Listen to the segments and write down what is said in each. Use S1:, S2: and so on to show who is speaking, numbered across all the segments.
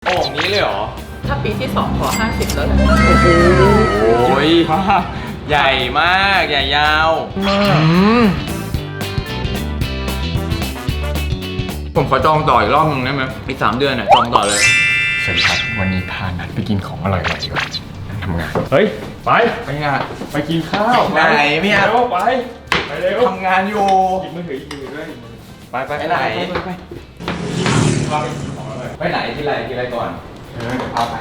S1: โอ่งนี้เลยเหรอ
S2: ถ้าปีที่2ขอ50แล้วแหละ
S1: โอ้ยใหญ่มากใหญ่ยาวผมขอจองต่ออีกรอบนึงได้ไหมอีก3 เดือนน่ะจองต่อเลย
S3: สวัสดีครับวันนี้พานัดไปกินของอร่อยๆดีกว่าทำงานเฮ้ยไปงานไปกินข้าว
S1: ไหนไม่เอา
S3: ไปเร็ว
S1: ทำงานอยู่
S3: หยิบมือถือด้วยไป
S1: ไหน
S3: ไป
S1: ไหนที่ไรก่อน
S3: เดี๋ยวพาไป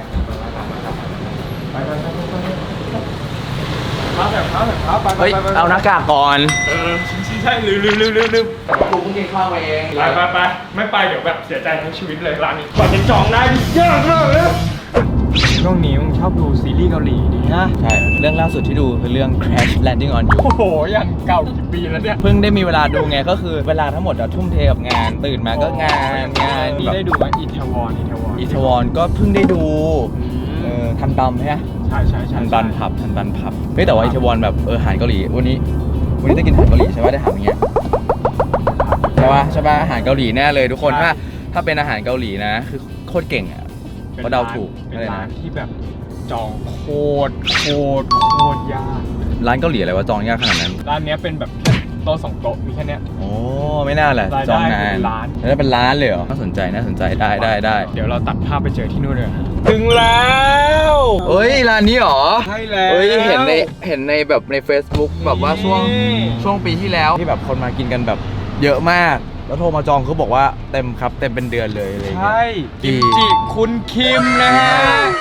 S1: เฮ้ยเอาหน้ากากก่อน
S3: ใช่ลืม
S1: กูเพิ่งกินข้าวมาเอง
S3: ไปไม่ไปเดี๋ยวแบบเสียใจทั้งชีวิตเลยร้านนี้กว่าจะจองได้ยากมากเลยช่วงนี้มึงชอบดูซีรีส์เกาหลีดีนะ
S1: ใช่เรื่องล่าสุดที่ดูคือเรื่อง Crash Landing on You
S3: โอ้โหอย่างเก่ากี่ปีแล้วเนี่ย
S1: เพิ่งได้มีเวลาดูไงก็คือเวลาทั้งหมดเราทุ่มเทกับงานตื่นมาก็งาน
S3: นี่ได้ดูไหมอิทาวอน
S1: ก็เพิ่งได้ดูทันตำใช่ไหม
S3: ใช่
S1: ทันตันผับเฮ้ยแต่ว่าอิทาวอนแบบอาหารเกาหลีวันนี้ได้กินอาหารเกาหลีใช่ป่ะได้ถามอย่างเงี้ยใช่ป่ะอาหารเกาหลีแน่เลยทุกคนถ้าเป็นอาหารเกาหลีนะคือโคตรเก่งอ่ะเขาเดาถูก
S3: เป็นร้านที่แบบจองโคตรยาก
S1: ร้านเกาหลีอะไรวะจองยากขนาดนั้น
S3: ร้านนี้เป็นแบบแค่โต๊ะ2 โต๊ะมีแค่นี้
S1: โอ้ไม่น่าแหละจองนานแล้วเป็นร้านเลยเหรอน่าสนใจได้
S3: เดี๋ยวเราตัดภาพไปเจอที่นู่นเลยถึงแล้ว
S1: เฮ้ยร้านนี้เหรอ
S3: ใช่แล้ว
S1: เฮ้ยเห็นในแบบใน Facebook แบบว่าช่วงปีที่แล้วที่แบบคนมากินกันแบบเยอะมากแล้วโทรมาจองเขาบอกว่าเต็มครับเต็มเป็นเดือนเลยอะไร
S3: ใช่กิมจิคุณคิมนะฮะ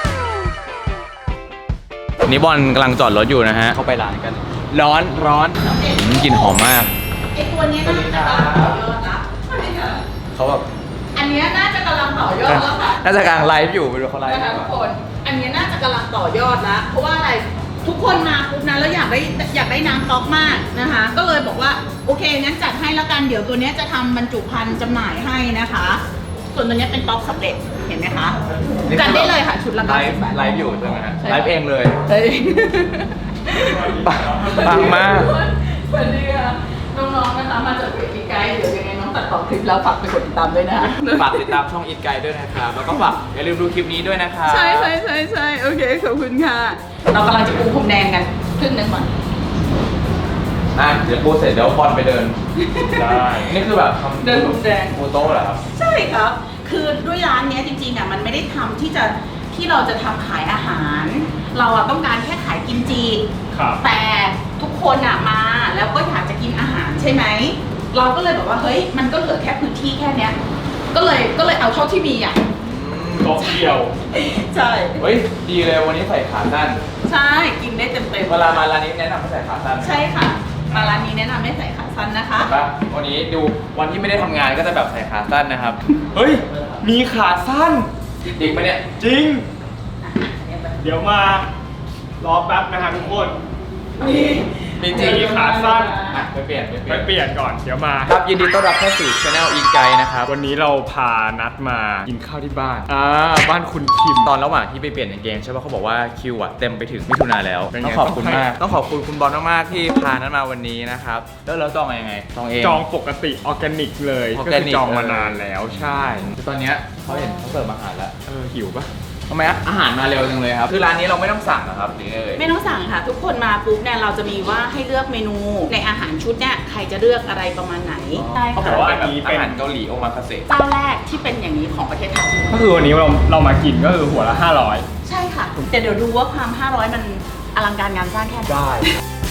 S1: นี่บอลกำลังจอดรถอยู่นะฮะเข้าไปร้านกันร้อนกลิ่นหอมมาก
S2: ไอตัวนี้น่าจะกำลังต่อยอดละ
S1: เขาแบบ
S2: อันนี้น่าจะกำลังต่อยอดแล้วค่ะ
S1: น่าจะกำลังไลฟ์อยู่ไปดูเขาไลฟ์
S2: นะคะทุกคนอันนี้น่าจะกำลังต่อยอดแล้วเพราะว่าอะไรทุกคนมาปุ๊บนะแล้วอยากได้น้ำต๊อกมากนะคะก็เลยบอกว่าโอเคงั้นจัดให้แล้วกันเดี๋ยวตัวนี้จะทำบรรจุภัณฑ์จำหน่ายให้นะคะส่วนตัวนี้เป็นต๊อกสำเร็จเห็นไหมคะจัดได้เลยค่ะชุดละ90 บาท
S1: ไลฟ์อยู่ใช่ไหมฮะไลฟ์เองเลยปังมาก
S2: สวัสดีค่ะน้องๆนะคะมาจากอีไกด์เดี๋ยวยังไงน้องตัดต่อคลิปแล้วฝากไปกดติดตามด้วยนะ
S1: ฝากติดตามช่องอีไกด์ด้วยนะครับแล้วก็ฝากอย่าลืมดูคลิปนี้ด้วยนะครับ
S2: ใช่โอเคขอบคุณค่ะเรากำลังจะปูพรมแดงกันครึ่งนึงก่อน
S1: เดี๋ยวปูเสร็จเดี๋ยวบอลไปเดินได้นี่คือแบบ
S2: เดินพรมแดง
S1: ปูโต๊ะเหรอครับ
S2: ใช่ครับคือด้วยร้านนี้จริงๆอ่ะมันไม่ได้ทำที่เราจะทำขายอาหารเราต้องการแค่ขายกิมจิแต่ทุกคนมาแล้วก็อยากจะกินอาหารใช่ไหมเราก็เลยบอกว่าเฮ้ยมันก็เหลือแค่พื้นที่แค่เนี้ยก็เลยเอาเท่าที่มี
S3: โต๊ะเดียว
S2: ใช่
S1: เฮ้ยดีเลยวันนี้ใส่ขาสั้น
S2: ใช่กินได้เต็ม
S1: เวลามาร้านนี้แนะนำให้ใส่ขาสั้น
S2: ใช่ค่ะมาร้านนี้แนะนำให้ใส่ขาสั้นนะคะ
S1: วันนี้ดูวันที่ไม่ได้ทำงานก็จะแบบใส่ขาสั้นนะครับ
S3: เฮ้ยมีขาสั้น
S1: จริงปะเนี่ย
S3: จริงเดี๋ยวมารอแป๊บนะฮะทุกคน
S1: มีจริง
S3: ขาสั้น
S1: ไปเปลี่
S3: ยนก่อนเดี๋ยวมา
S1: ครับยินดีต้อนรับเข้าสู่ Channel อีไกนะครับ
S3: วันนี้เราพานัดมากินข้าวที่บ้านบ้านคุณคิม
S1: ตอนระหว่างที่ไปเปลี่ยนกางเกงใช่ป่ะเขาบอกว่าคิวเต็มไปถึงมิถุนาแล้วต้องขอบคุณมากต้องขอบคุณคุณบอลมากๆที่พานัดมาวันนี้นะครับแล้วเราจองยังไงจองเอง
S3: จองปกติออร์แกนิกเลยก็คือจองมานานแล้วใช่
S1: ตอนนี้เขาเห็นเขาเสิร์ฟอาหารแล้ว
S3: หิวปะ
S1: ทำไมอาหารมาเร็วจังเลยครับคือร้านนี้เราไม่ต้องสั่งนะครับหรือ
S2: ไม่ต้องสั่งค่ะทุกคนมาปุ๊บเนี่ยเราจะมีว่าให้เลือกเมนูในอาหารชุดเนี่ยใครจะเลือกอะไรประมาณไหน
S1: ใช่ค่ะเขาบอกว่าอันนี้เป็นอาหารเกาหลีโอมาคาเซ
S2: เจ้าแรกที่เป็นอย่างนี้ของประเทศไทย
S3: ก็คือวันนี้เรามากินก็คือหัวละ500
S2: ใช่ค่ะแต่เดี๋ยวดูว่าความ500มันอลังการงานสร้างแค่ไหน
S1: ได้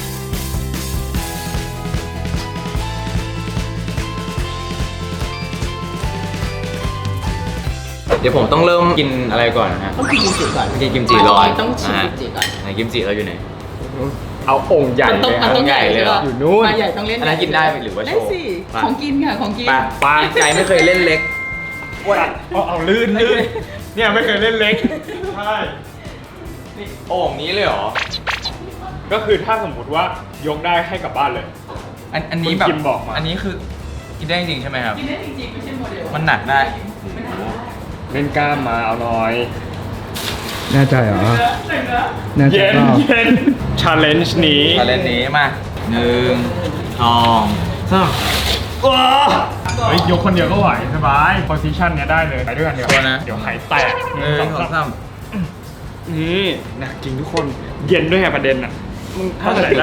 S1: เดี๋ยวผมต้องเริ่มกินอะไรก่อนนะฮะ
S2: ต้องกินกิมจิก่อน
S1: กินกิมจิร้อน
S2: ต้องชิมกิมจิก่อน
S1: ไหนกิมจิเราอยู่ไหน
S3: เอาองค์ใหญ่เลย
S2: องค์ใหญ่เลย
S3: อยู่นู้น
S2: ใหญ่ต้องเล่น
S1: อันนั้นกินได้หรือว่าโชว์
S2: ได้สิของกินค่ะของกิน
S1: ปลาใจไม่เคยเล่นเล็ก
S3: เอาลื่นเนี่ยไม่เคยเล่นเล็กใช่
S1: นี่โอ่งนี้เลยเหรอ
S3: ก็คือถ้าสมมติว่ายกได้ให้กลับบ้านเลย
S1: อันนี้แบบอันนี้คือกินได้จริงใช่ไหมครับ
S2: กินได้จริงไม่ใช่โมเดล
S1: มันหนักได้
S3: เล่นกล้ามมาเอาหน่อย
S4: แน่ใจเหรอ
S3: เย็นชาเลนจ์นี้
S1: มา1 2 3
S3: เฮ้ยยกคนเดียวก็ไหวสบายโพซิชันเนี้ยได้เลยไปด้วยกันเดี๋ยว
S1: ตัวนะ
S3: เดี๋ยวหายแตก
S1: 1 2 3
S3: นี่หนักจริงทุกคนเย็นด้วยไงประเด็นอ่ะมึงถ้าไหนได้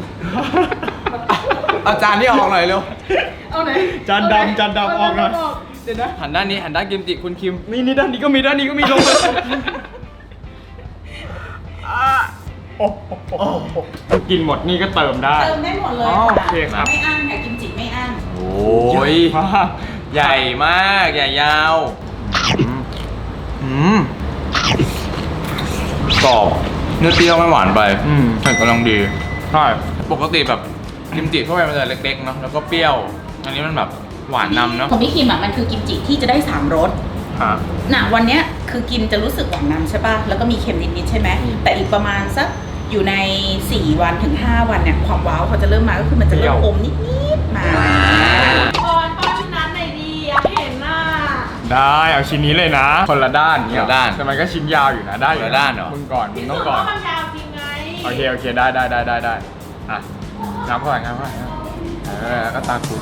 S1: เอาจานที่ออกหน่อยเร็ว
S2: เอาไหน
S3: จานดำจานดำออกหน่อย
S2: เดี๋ยวนะ
S1: หันด้านนี้หันด้านกิมจิคุณคิม
S3: นี่ด้านนี้ก็มีด้านนี้ก็มีลงมาโอ้โหกินหมดนี่ก็เติมได้
S2: เติมได้หมดเลย
S3: อ๋อ
S2: ค่ะ
S3: โอเคครับ
S2: ไม่อั้นค่ะกิมจิไม่อั้น
S1: โอ้ย
S3: มาก
S1: ใหญ่มากใหญ่ยาวกรอบเนื้อเปรี้ยวไม่หวานไปเผ็ดกำลังดี
S3: ใช่
S1: ปกติแบบกิมจิทั่วไปมันจะเล็กๆเนาะแล้วก็เปรี้ยว อันนี้มันแบบหวานนำเนาะ
S2: ของพี่คิมอ่ะมันคือกิมจิที่จะได้3รส
S3: อ่ะ
S2: น่ะวันเนี้ยคือกินจะรู้สึกหวานนำใช่ป่ะ แล้วก็มีเค็มนิดๆใช่ไหม แต่อีกประมาณสักอยู่ใน4วันถึง5วันเนี่ยความว้าวเขาจะเริ่มมาก็คือมันจะเริ่มอมนิดๆมาป้อนชิ้นนั้นหน่อยดีอยากเห็นหน้า
S3: ได้เอาชิ้นนี้เลยนะ คนละด้าน
S1: คนละด้าน
S3: แต่มันก็ชิ้นยาวอยู่นะได้อยู่
S1: คนละด้านเหรอ
S3: มึงก่อนมึงต้องก่อน
S2: มันยาวจริงไง
S3: โอเคได้อ่ะน้ำก่อนก็ตาคู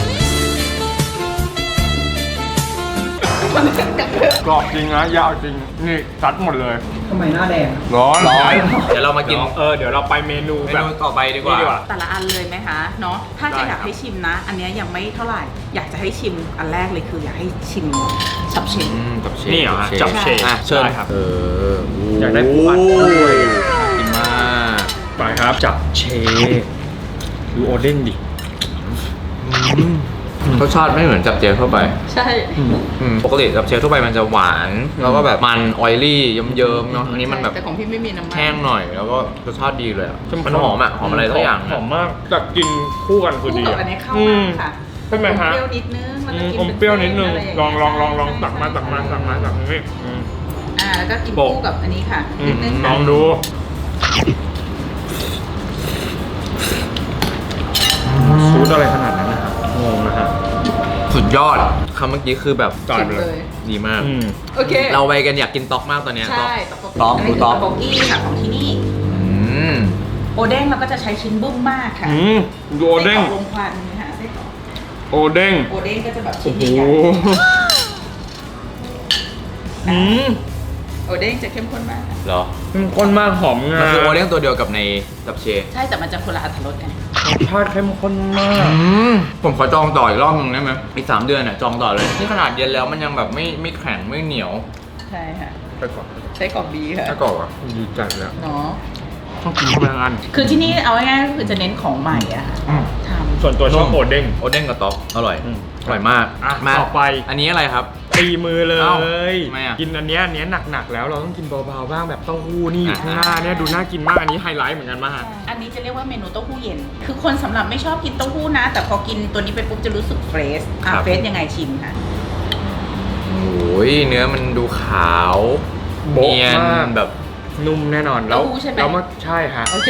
S3: กรอบจริงนะยาวจริงนี่ซัดหมดเลย
S4: ทำไมหน้าแดง
S3: ร้อน
S1: เดี๋ยวเรามากิน
S3: เดี๋ยวเราไปเมนู
S1: เม
S3: แบบ
S1: นูต่อไปดีกว่า
S3: นี่ดีกว่า
S2: แต่ละอันเลยไหมคะเนาะถ้าจะอยากให้ชิมนะ อันเนี้ยยังไม่เท่าไหร่ อยากจะให้ชิมอันแรกเลยคืออยากให้ชิมชับเชน
S1: จับเช
S3: นี่เหรอฮะจับเชฟ
S1: อ่ะเชิญ
S3: ได้ครับ
S1: อย
S3: ากได้ปูอัดด้วย
S1: กินมาก
S3: ไปครับจับเชฟดูโอเด้งดิ
S1: รสชาติไม่เหมือนจับเจลทั่วไป
S2: ใช่
S1: ปกติจับเจลทั่วไปมันจะหวาน แล้วก็แบบมันออยลี่เยิ้มๆเนาะอันนี้มันแบบ
S2: แต่ของพี่ไม่มีน้ำมัน
S1: แห้งหน่อยแล้วก็รสชาติดีเลยอะมันหอมอ่ะหอมอะไรสักอย่าง
S3: หอมมากแต่กินคู่กันคือ
S2: คู่
S3: ดี
S2: กับ
S3: อะ
S2: อันนี้เข้ามากค่ะ
S3: ใช่ไหมฮะ
S2: อมเปรี้ยวนิดนึงมันจะกิน
S3: อมเปรี้ยวนิดนึง
S2: เป็เส้
S3: ลอง
S2: ะไรย่า
S3: ตักมา
S2: แล้วก็กิน
S3: โปะ
S2: คู่กับอันนี้ค่ะนิดนึง
S3: ล
S2: ค่ะ
S3: องดูซูดอะไรขนาดนั้นนะครับงงนะฮะ
S1: สุดยอดคำเมื่อกี้คือแบบ
S3: จ่าย
S2: ชิม
S3: ไป
S2: เล
S3: เลย
S2: ย
S1: ดีมาก
S2: โอเค
S1: เราไปกันอยากกินต๊อกมากตอนเนี้ย
S2: ใช่
S1: ต๊อก
S2: อันนี้
S1: ต๊อก
S2: คือต๊อกกี้ค่ะของที่นี่
S1: อืม
S2: โอเด้งเราก็จะใช้ชิ้นบึ้มมากค่ะ
S3: ดูโอเด้ง
S2: ไส้กรอกลมควันนะคะไส้กรอก
S3: โอเด้ง
S2: โอเด้งก็จะแบบ
S3: โอ้
S2: ชิ้น
S3: โห
S2: ใหญ่ๆโอเด้งจะเข้มข้นมาก
S1: เหรอ
S3: มันข้นมากหอมงา
S1: มันคือโอเลี้ยงตัวเดียวกับในจับเช
S2: ใช่แต่มันจะคนละอรรถรสกัน
S3: รสชาติเข้มข้นมาก
S1: ผมขอจองต่ออีกรอบนึงได้ไหมอีก3 เดือนอ่ะจองต่อเลยนี่ขนาดเย็นแล้วมันยังแบบไม่แข็งไม่เหนียว
S2: ใช่ค่ะ
S3: ไปก่อน
S2: ไส้กรอกดีค่ะ
S1: ถ้ากรอบอ่ะ
S3: ดีจัดแล้ว
S2: เนาะ
S3: ต้องกินเข้าไปทั้งอัน
S2: คือที่นี่เอาง่ายๆก็คือจะเน้นของใหม่อะค่ะทำ
S3: ส่วนตัวชอบโอเด้ง
S1: โอเด้งกับต๊อกอร่อยอร่อยมาก
S3: อ่ะ
S1: มา
S3: ต่อไป
S1: อันนี้อะไรครับ
S3: ตีมือเล
S1: เอ้าย ทำไมอ่ะ
S3: กินอันเนี้ยหนักๆแล้วเราต้องกินเบาๆบ้างแบบเต้าหู้นี่อยู่ข้างหน้าเนี่ยดูน่ากินมากอันนี้ไฮไลท์เหมือนกันมาก
S2: อันนี้จะเรียกว่าเมนูเต้าหู้เย็น คือคนสำหรับไม่ชอบกินเต้าหู้นะ แต่พอกินตัวนี้ไปปุ๊บจะรู้สึกเฟรชเฟรชยังไงชิมค่ะ
S1: โอ้ยเนื้อมันดูขาว
S3: โบ๊ะ
S1: เนียน
S3: มาก
S1: แบบ
S3: นุ่มแน่นอนแล้ว
S2: เต้าหู้ใช่ไหม
S3: แล้วมาใช่ฮะ
S2: โอเค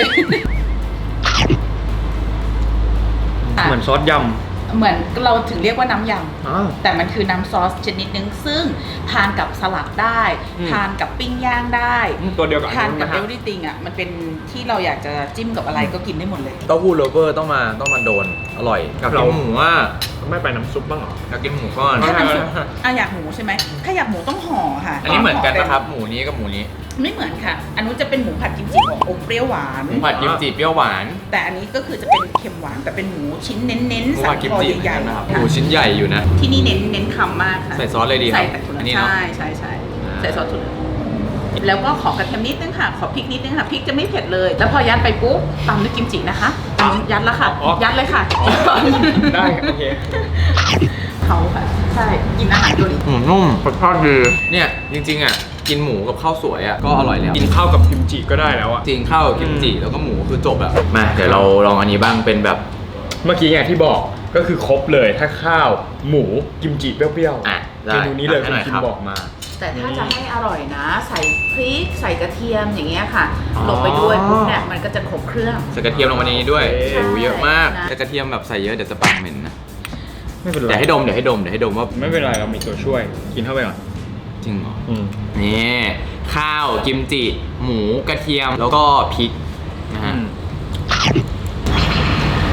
S3: เหมือนซอสย
S2: เหมือนเราถึงเรียกว่าน้ำย
S3: ำอ่า
S2: ำแต่มันคือน้ำซอสชนิดนึง ซึ่งทานกับสลัดได้ ทานกับปิ้งย่างได้
S3: ตัวเดียวกับ
S2: ทานกับ
S3: นะ
S2: เอ
S3: ฮะ
S2: วริติงอ่ะ มันเป็นที่เราอยากจะจิ้มกับอะไรก็กินได้หมดเลย
S1: เต้าหู้โรเวอร์ต้องมาโดนอร่อยกับกินหมูอ่ะ
S3: ไม่ไปน้ำซุปบ้างเหรอ
S1: อยากกินหมูก้อน
S2: ถ้าน้ำซุปอยากหมูใช่ไหมถ้าอยากหมูต้องห่อค่ะ
S1: อันนี้เหมือนกันนะครับหมูนี้กับหมูนี้
S2: ไม่เหมือนค่ะ อันนู้นจะเป็นหมูผัดกิมจิของอมเปรี้ยวหวาน
S1: หมูผัดกิมจิเปรี้ยวหวาน
S2: แต่อันนี้ก็คือจะเป็นเค็มหวานแต่เป็นหมูชิ้นเน้น
S1: หมู
S2: ๆสั
S1: ผั
S2: น
S1: ดกิม
S2: คอ
S1: จิ
S2: ใหญ่
S1: นะครับ
S2: ๆ
S1: หมูชิ้นใหญ่อยู่นะ
S2: ที่นี่เน้นคำมากค่ะ
S1: ใส่ซอสเลยดีครับ
S2: ใส่แต่ถั่ว
S1: อันนี้เนอะ
S2: ใช่ใส่ซอสถั่วแล้วก็ขอกระเทียมนิดนึงค่ะ ขอพริกนิดนึงค่ะพริกจะไม่เผ็ดเลย แล้วพอยัดไปปุ๊บตามด้วยกิมจินะคะยัดแล้วค่ะ ยัดเลยค่ะ
S3: ได้โอเค
S2: เขาค่ะใช่กินอาหารเกาหลี
S1: หมูนุ่ม
S3: รสชาติดี
S1: เนี่ยจริงๆอ่ะกินหมูกับข้าวสวยอ่ะก็อร่อยแล้ว
S3: กินข้าวกับกิมจิก็ได้แล้วอะ
S1: จริงข้าวกับกิมจิแล้วก็หมูคือจบอ่ะมาเดี๋ยวเราลองอันนี้บ้างเป็นแบบ
S3: เมื่อกี้อย่างที่บอกก็คือครบเลยถ้าข้าวหมูกิมจิเปรี้ยวๆ
S1: อ่ะได้
S3: เมนูนี้เลย
S1: ให้
S3: คุ
S1: ห
S3: ณ
S1: น่อย
S3: คิ
S1: ครั
S3: ม
S1: บ
S3: บอกมา
S2: แต่ถ้าจะให้อร่อยนะ ใส่พริกใส่กระเทียมอย่างเงี้ยค่ะ
S3: อ๋อ
S2: ลงไปด้วยปุ๊บเนี่ยมันก็จะครบเครื่อง
S1: ใส่กระเทียมลงมาในนี้ด้วย
S3: โอเค
S1: โอ้โหเยอะมาก
S2: นะ
S1: แต่กระเทียมแบบใส่เยอะเดี๋ยวจะปากเหม็นนะ
S3: ไม่เป็นไร
S1: เดี๋ยวให้ดมว่า
S3: ไม่เป็นไรเรามีตัวช่วยกินเข้าไปก่อน
S1: จริงเหรอ
S3: อืม
S1: นี่ข้าวกิมจิหมูกระเทียมแล้วก็พริกนะฮะ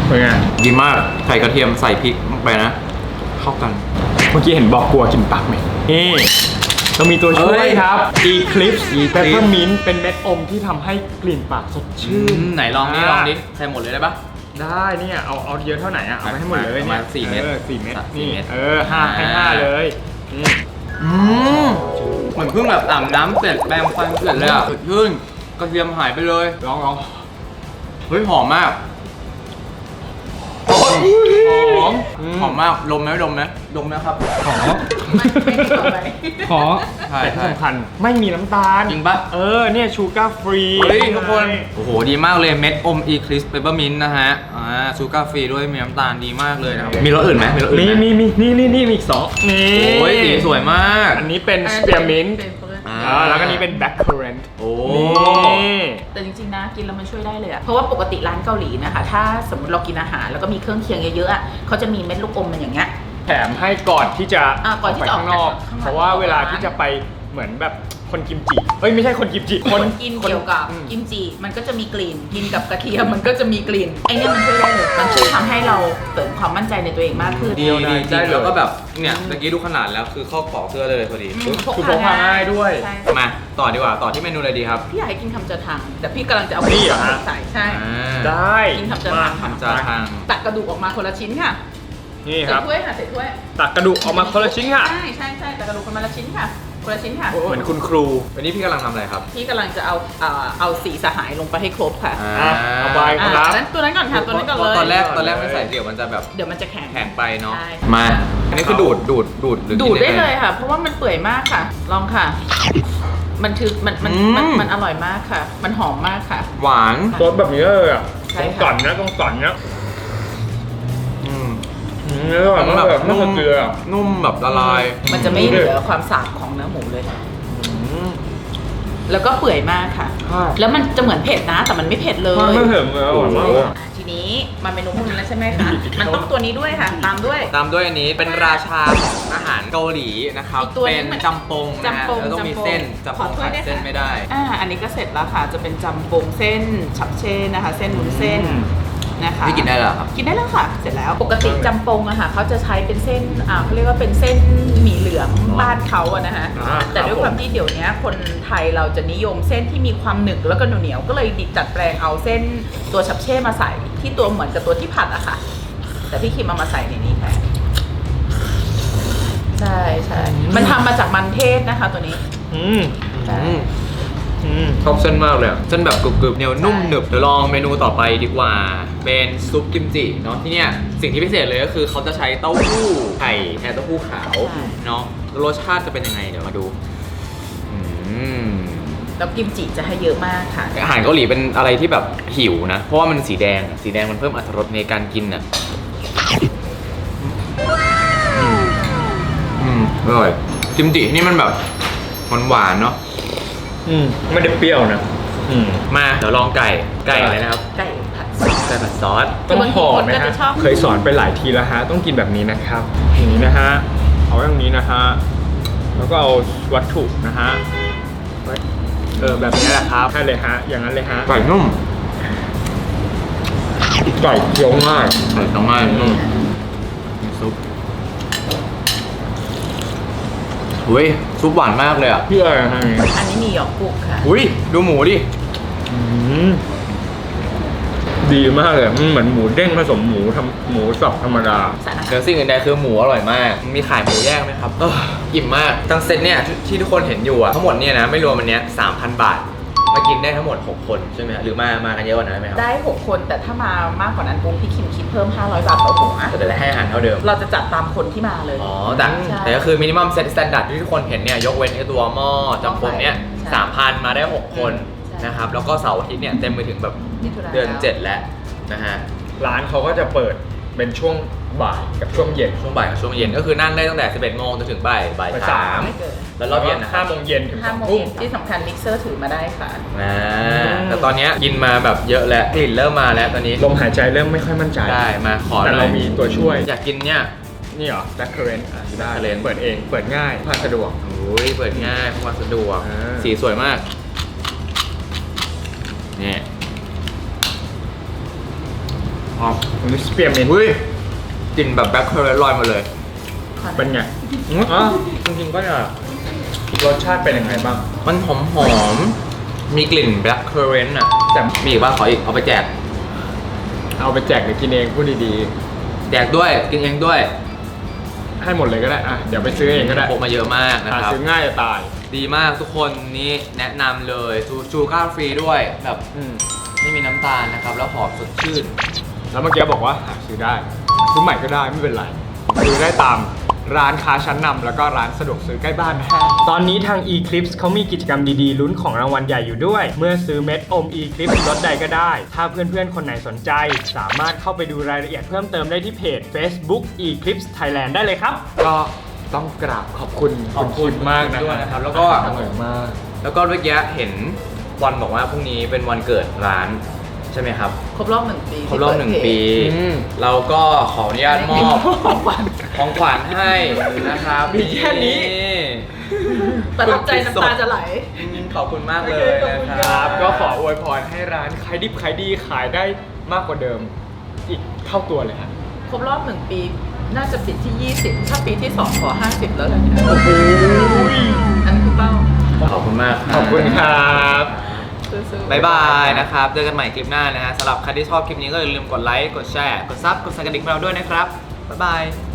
S3: เป็นไง
S1: ดีมากใส่กระเทียมใส่พริกลงไปนะ เข้ากัน
S3: เมื่อกี้เห็นบอกกลัวกินปากไหมนี่เรามีตัวช่วยครับ Eclipse Peppermint เป็นเม็ดอมที่ทำให้กลิ่นปากสดชื่น
S1: ไหนลองดิลองดิใส่หมดเลยได้ปะ
S3: ได้เนี่ยเอาเยอะเท่าไหร่อ่ะเอาไปให้หมดเลย
S1: ประมา
S3: เนี่
S1: ณ
S3: ย
S1: 4 เม็ด
S3: 4 เม็ด
S1: สี่
S3: นี่
S1: เม็ด
S3: ให้ 5 เลยนี่
S1: เหมือนเพิ่งแบบอาบน้ำเสร็จแปรงฟันเสร็จเลยอ่ะสดชื่นกระเทียมหายไปเลย
S3: ลอง
S1: เฮ้ยหอมมาก
S3: หอม
S1: หอมมากดมไหมดมไหมดมนะครับ
S2: ไม่ต่อไป
S4: ขอ
S1: ใช่
S3: แต่ที่
S1: ใช่
S3: สำคัญไม่มีน้ำตาล
S1: จริงปะ
S3: เนี่ยชูการ์ฟรี
S1: เฮ้ยทุกคน โอ้โห ดีมากเลยเม็ดอม Eclipse Peppermint นะฮะชูการ์ฟรีด้วยมีน้ำตาลดีมากเลยนะครับ มีรสอื่นไหมมีรสอื่นไหม
S3: มีนี่มีอีกสองนี่
S1: โอ้ยสีสวยมาก
S3: อันนี้เป็นสเปียร์มินต์
S1: อ่า
S3: แล้วก็นี้เป็นแบล็คเคอร์เรนต์
S1: โอ้
S3: นี่
S2: แต่จริงๆนะกินแล้วมันช่วยได้เลยอะเพราะว่าปกติร้านเกาหลีนะคะ ถ้าสมมติเรากินอาหารแล้วก็มีเครื่องเคียงเยอะๆอะเขาจะมีเม็ดลูกอมมันอย่างเงี้ย
S3: แถมให้ก่อนที่จะ
S2: ก่อนที่
S3: ไป
S2: จะออก
S3: ข้างนอก
S2: ข้างนอก
S3: เพราะว่าเวลาที่จะไปเหมือนแบบคนกิมจิเอ้ยไม่ใช่คนกิมจิ
S2: คนกินเกี่ยวกับกิมจิมันก็จะมีกลิ่นกินกับกระเทียมมันก็จะมีกลิ่นไอเนี่ยมันช่วยได้เลยมันช่วยทำให้เราเสริมความมั่นใจในตัวเองมากขึ้น
S1: ดีดีจริงแล้วก็แบบเนี่ยเมื่อกี้ดูขนาดแล้วคือเข้าขอเสื้อเลยพอดี
S3: คือพกพาง่ายด้วย
S2: ใช่
S1: มาต่อดีกว่าต่อที่เมนูอะไรดีครับ
S2: พี่อยากให้กินคำจะทังแต่พี่กำลังจะเอา
S3: นี่เหรอฮะ
S2: ใส่ใช่
S3: ได้
S2: กินคำจะทัง
S1: ทำจาทาง
S2: ตักกระดูกออกมาคนละชิ้นค่ะ
S3: นี่ค
S2: ใส่
S3: รับ
S2: ถ้วยค่ะใส่ถ้วย
S3: ตักกระดูกออกมาคนละชิ้นค่ะ
S2: ใช่ใช่ใช่ตักกระดูกคนละชิ้นค่ะคนละชิ้นค่ะ
S3: เหมือนคุณครู
S1: วันนี้พี่กำลังทำอะไรครับ
S2: พี่กำลังจะเอาสีสหายลงไปให้ครบค่ะ
S3: เอาไป ครับ
S2: นั้นตัวนั้นก่อนค่ะตัวนั้นก่อนเลย
S1: ตอนแรกไม่ใส่เดี๋ยวมันจะแบบ
S2: เดี๋ยวมันจะแข็ง
S1: แข็งไปเนาะ
S2: ใช่
S1: มา อันนี้คือดูดหรือ
S2: ดูด
S1: กิน
S2: ได้เลยค่ะ เพราะว่ามันเปื่อยมากค่ะ ลองค่ะ มันคือมันอร่อยมากค่ะ มันหอมมากค่ะ
S1: หวาน
S3: รสแบบนี้เลยอ่ะ
S2: ใช่
S3: ต้อง
S2: ค่ะ
S3: ก่อนนะต้องก่อนนะ
S1: อืม
S3: แล้วแบบมันแบบไม่เกลือ
S1: นุ่มแบบละลาย
S2: มันจะไม่เหลือความสาบของเนื้อหมูเลย แล้วก็เปื่อยมากค่ะ
S3: ใช่
S2: แล้วมันจะเหมือนเผ็ดนะ แต่มันไม่เผ็ดเลย
S3: ไม่เผ็ดเลยอร่อยมากเลย
S2: ทีนี้มันเป็นเมนูพวกนี้แล้วใช่ไหมคะ มันต้องตัวนี้ด้วยค่ะ ตามด้วย
S1: ตามด้วยอันนี้เป็นราชาของอาหารเกาหลีนะครับ
S2: อีกตัวนึ
S1: เป็
S2: ง
S1: น
S2: มัน
S1: จำปงนะฮะ
S2: จำปง
S1: แล้วต้องมีเส้นจำป
S2: ของ ถ้ว
S1: ขาด
S2: ยด้วย
S1: เส้น
S2: ค่ะ
S1: ไม่ได้
S2: อันนี้ก็เสร็จแล้วค่ะ จะเป็นจำปงเส้นฉับเช่นะคะ เส้นวุ้นเส้นนะคะ
S1: พี่กินได้เหรอครับ
S2: กินได้แล้วค่ะ เสร็จแล้ว ปกติจำปงอะค่ะเขาจะใช้เป็นเส้นเขาเรียกว่าเป็นเส้นหมี่เหลืองบ้านเขาอะนะคะ แต่ด้วยความที่เดี๋ยวนี้คนไทยเราจะนิยมเส้นที่มีความหนึบแล้วก็เหนียวๆก็เลยดัดแปลงเอาเส้นตัวฉับเช่มาใส่ที่ตัวเหมือนกับตัวที่ผัดอะค่ะ แต่พี่คิมเอามาใส่ในนี้แทนใช่ใช่มันทำมาจากมันเทศนะคะตัวนี้
S3: อืม
S2: ใช่
S1: ชอบเส้นมากเลยอะเส้นแบบกรึบๆเหนียวนุ่มหนึบเดี๋ยวลองเมนูต่อไปดีกว่า เป็นซุปกิมจิเนาะที่เนี่ยสิ่งที่พิเศษเลยก็คือเขาจะใช้เต้าหู้ไข่แทนเต้าหู้ขาวเนาะรสชาติจะเป็นยังไงเดี๋ยวมาดูอืม
S2: แล้วกิมจิจะให้เยอะมากค่ะ
S1: อาหารเกาหลีเป็นอะไรที่แบบหิวนะ เพราะว่ามันสีแดงอะสีแดงมันเพิ่มอรรถรสในการกินอ่ะอร่อยกิมจินี่มันแบบหวานๆเนาะ
S3: ไม่ได้เปรี้ยวนะ
S1: มาเดี๋ยวลองไก่อะไรนะครับ
S2: ไก่ผัดซอส
S1: ไก่ผัดซอส
S3: ต้องหอม
S2: บางทีคนก็
S3: นะฮะ
S2: จะชอบ
S3: เคยสอนไปหลายทีแล้วฮะ ต้องกินแบบนี้นะครับอย่างนี้นะฮะ เอาอย่างนี้นะฮะ แล้วก็เอาวัตถุนะฮะ แบบนี้แหละครับใช่เลยฮะ อย่างนั้นเลยฮะ
S1: ไก่นุ่ม
S3: ไก่เคี้ยวง่าย
S1: ไก่ต้องง่ายนุ่มซุปอุ้ยซุปหวานมากเลยอ่ะ
S3: พี่อะไรฮะ
S2: อันนี้มีหยอกกุกค่ะ
S1: อุ้ยดูหมูดิ
S3: ดีมากเลยมันเหมือนหมูเด้งผสมหมูสับธรรมดา
S2: สารอาหาร
S1: เดี๋ยวสิ่งอื่นใดคือหมูอร่อยมาก มีขายหมูแยกไหมครับอิ่มมากทั้งเซตเนี่ยที่ทุกคนเห็นอยู่อะทั้งหมดเนี่ยนะไม่รวมอันเนี้ย 3,000 บาท มากินได้ทั้งหมด 6 คนใช่ไหมฮะหรือมากันเยอะกว่านั้นไหมครับ
S2: ได้ 6 คนแต่ถ้ามามากกว่านั้นปุ๊บพี่คิมคิดเพิ่ม 500 บาทต่อหัว
S1: แต่จะให้อาหารเท่าเดิม
S2: เราจะจัดตามคนที่มาเลย
S1: อ๋อแต่
S2: ใช่
S1: แต่ก็คือมินิมัมเซตสแตนดาร์ดที่ทุกคนเห็นเนี่ยยกเว้นไอ้ตัวหม้อจำปงเนี่ย
S2: ใช่
S1: 3,000 มาได้ 6 คน
S2: ใช่
S1: นะครับแล้วก็เสาร์อาทิตย์เนี่ยเต็มไปถึงแบบ
S2: มิถุนา
S1: เดือน 7 แล้วนะฮะ
S3: ร้านเขาก็จะเปิดเป็นช่วงบ่ายกับช่วงเย็น
S1: ช่วงบ่ายกับช่วงเย็นก็คือนั่งได้ตั้งแต่ 11 โมงจนถึงบ่าย
S3: บ่าย
S1: สาม
S2: ไม่เกิน
S1: แล้วรอบเย็นนะครับ
S3: 5 โมงเย็นถึง
S2: 5 โม
S3: 2
S2: ง
S3: ทุ่ม
S2: เย็นที่สำคัญมิกเซอร์ถือมาได้ค่ะ
S1: แต่ตอนเนี้ยกินมาแบบเยอะแล้วกลิ่นเริ่มมาแล้วตอนนี้
S3: ลมหายใจเริ่มไม่ค่อยมั่นใจ
S1: ได้มาขอ
S3: แต่
S1: หน่
S3: เรา
S1: อย
S3: มีตัวช่วย
S1: อยากกินเนี่ย
S3: นี่เหรอ Black Currant ได้
S1: Currant
S3: เปิดเองเปิดง่ายผ่านสะดวก
S1: โอ้ยเปิดง่ายพกพาสะดวก
S3: อ่า
S1: สีสวยมากนี่อ๋อ
S3: อันนี้สเปียร์เมน
S1: อุ้ยกลิ่นแบบแบล็คเคอร์เรนต์ลอยมาเลย
S3: เป็นไงอ๋อจริงๆก็จะรสชาติเป็นยังไงบ้าง
S1: มันหอมๆมีกลิ่นแบล็คเคอร์เรนต์อ่ะ
S3: แต่
S1: มีอีกป่ะขออีกเอาไปแจก
S3: เอาไปแจกหรือกินเองพูดดี
S1: แจกด้วยกินเองด้วย
S3: ๆ ให้หมดเลยก็ได้อ่ะเดี๋ยวไปซื้อเองก็ได้
S1: พกมาเยอะมากนะ
S3: หา
S1: ครับ
S3: ซื้อง่ายจะตาย
S1: ดีมากทุกคนนี่แนะนำเลยชูการ์ฟรีด้วยแบบ
S3: อืม
S1: ไม่มีน้ำตาลนะครับ แล้วหอมสดชื่น
S3: แล้วเมื่อกี้บอกว่าหาซื้อได้ซื้อใหม่ก็ได้ไม่เป็นไรซื้อได้ตามร้านค้าชั้นนำแล้วก็ร้านสะดวกซื้อใกล้บ้านนะฮะตอนนี้ทาง Eclipse เขามีกิจกรรมดีๆลุ้นของรางวัลใหญ่อยู่ด้วย เมื่อซื้อเม็ดอม Eclipse ลดใดก็ได้ ถ้าเพื่อนๆคนไหนสนใจ สามารถเข้าไปดูรายละเอียดเพิ่มเติมได้ที่เพจ Facebook Eclipse Thailand ได้เลยครับ ก็ต้องกราบขอบคุณคุณมากนะ
S1: ด้วยนะครับ แล้วก็
S3: อร่อยมาก
S1: แล้วก็เมื่อกี้เห็นวันบอกว่าพรุ่งนี้เป็นวันเกิดร้านใช่ไหมครับ
S2: ครบรอบ1 ปี
S1: ครบรอบ1 ปี
S3: อืม
S1: เราก็ขออนุญาตมอบ
S2: ของขวัญ
S1: ของขวัญให้นะครับ
S3: มีแค่นี้
S2: ประทับใจน้ำตาจะไหล
S1: ขอบคุณมากเลย
S2: โอเคขอบคุณ
S1: นะ
S2: ค
S1: ค
S2: รั
S1: รับ บ
S3: ก็ขออวยพรให้ร้านขายดิบขายดีขายได้มากกว่าเดิม อีกเท่าตัวเลยฮะ
S5: ครบรอบ 1 ปี น่าจะปิดที่ 20 ถ้าปีที่ 2 ขอ 50 แล้วเลยเนี่ย
S3: โอ้โห
S5: อันนี้คือเป้า
S1: ขอบคุณมาก
S3: ขอบคุณครับ
S5: สู้ๆ
S1: บ๊ายบายนะครับ เจอกันใหม่คลิปหน้านะฮะสำหรับใครที่ชอบคลิปนี้ก็อย่าลืมกดไลค์ กดแชร์ กดซับ กดสั่นกระดิ่งของเราด้วยนะครับ บ๊ายบาย